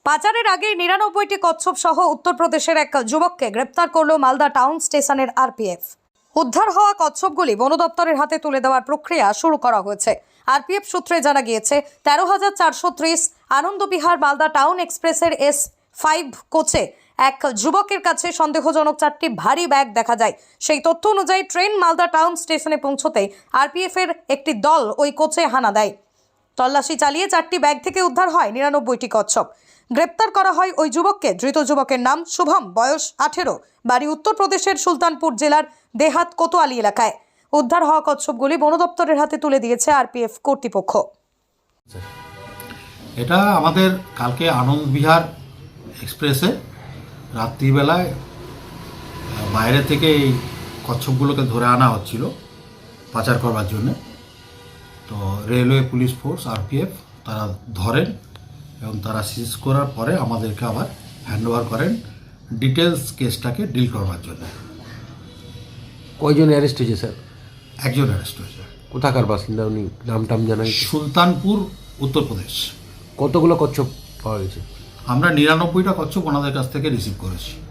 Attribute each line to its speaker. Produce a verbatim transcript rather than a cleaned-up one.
Speaker 1: পাচারের আগে নিরানব্বইটি কচ্ছপ সহ উত্তরপ্রদেশের এক যুবককে গ্রেপ্তার করল মালদা টাউন স্টেশনের আরপিএফ। উদ্ধার হওয়া কচ্ছপগুলি বন দপ্তরের হাতে তুলে দেওয়ার প্রক্রিয়া শুরু করা হয়েছে। আরপিএফ সূত্রে জানা গিয়েছে, তেরো হাজার চারশো ত্রিশ আনন্দবিহার মালদা টাউন এক্সপ্রেসের এস ফাইভ কোচে এক যুবকের কাছে সন্দেহজনক চারটি ভারী ব্যাগ দেখা যায়। সেই তথ্য অনুযায়ী ট্রেন মালদা টাউন স্টেশনে পৌঁছতেই আরপিএফ এর একটি দল ওই কোচে হানা দেয়। তল্লাশি চালিয়ে চারটি ব্যাগ থেকে উদ্ধার হয় নিরানব্বইটি কচ্ছপ। গ্রেপ্তার করা হয় ওই যুবককে। ধৃত যুবকের নাম শুভম, বয়স আঠেরো, বাড়ি উত্তরপ্রদেশের সুলতানপুর জেলার দেহাত কোতোয়ালি এলাকায়। উদ্ধার হওয়া কচ্ছপগুলি বন দপ্তরের হাতে তুলে দিয়েছে আরপিএফ কর্তৃপক্ষ।
Speaker 2: এটা আমাদের কালকে আনন্দবিহার এক্সপ্রেসে রাত্রিবেলায় বাইরে থেকে এই কচ্ছপগুলোকে ধরে আনা হচ্ছিল পাচার করবার জন্য। তো রেলওয়ে পুলিশ ফোর্স আরপিএফ তারা ধরেন এবং তারা সিজ করার পরে আমাদেরকে আবার হ্যান্ডওভার করেন ডিটেলস কেসটাকে ডিল করবার জন্য।
Speaker 3: কয়জন অ্যারেস্ট হয়েছে স্যার?
Speaker 2: একজন অ্যারেস্ট হয়েছে।
Speaker 3: কোথাকার বাসিন্দা উনি? নাম টাম জানাই?
Speaker 2: সুলতানপুর, উত্তরপ্রদেশ।
Speaker 3: কতগুলো কচ্ছপ পাওয়া গেছে?
Speaker 2: আমরা নিরানব্বইটা কচ্ছপ ওনাদের কাছ থেকে রিসিভ করেছি।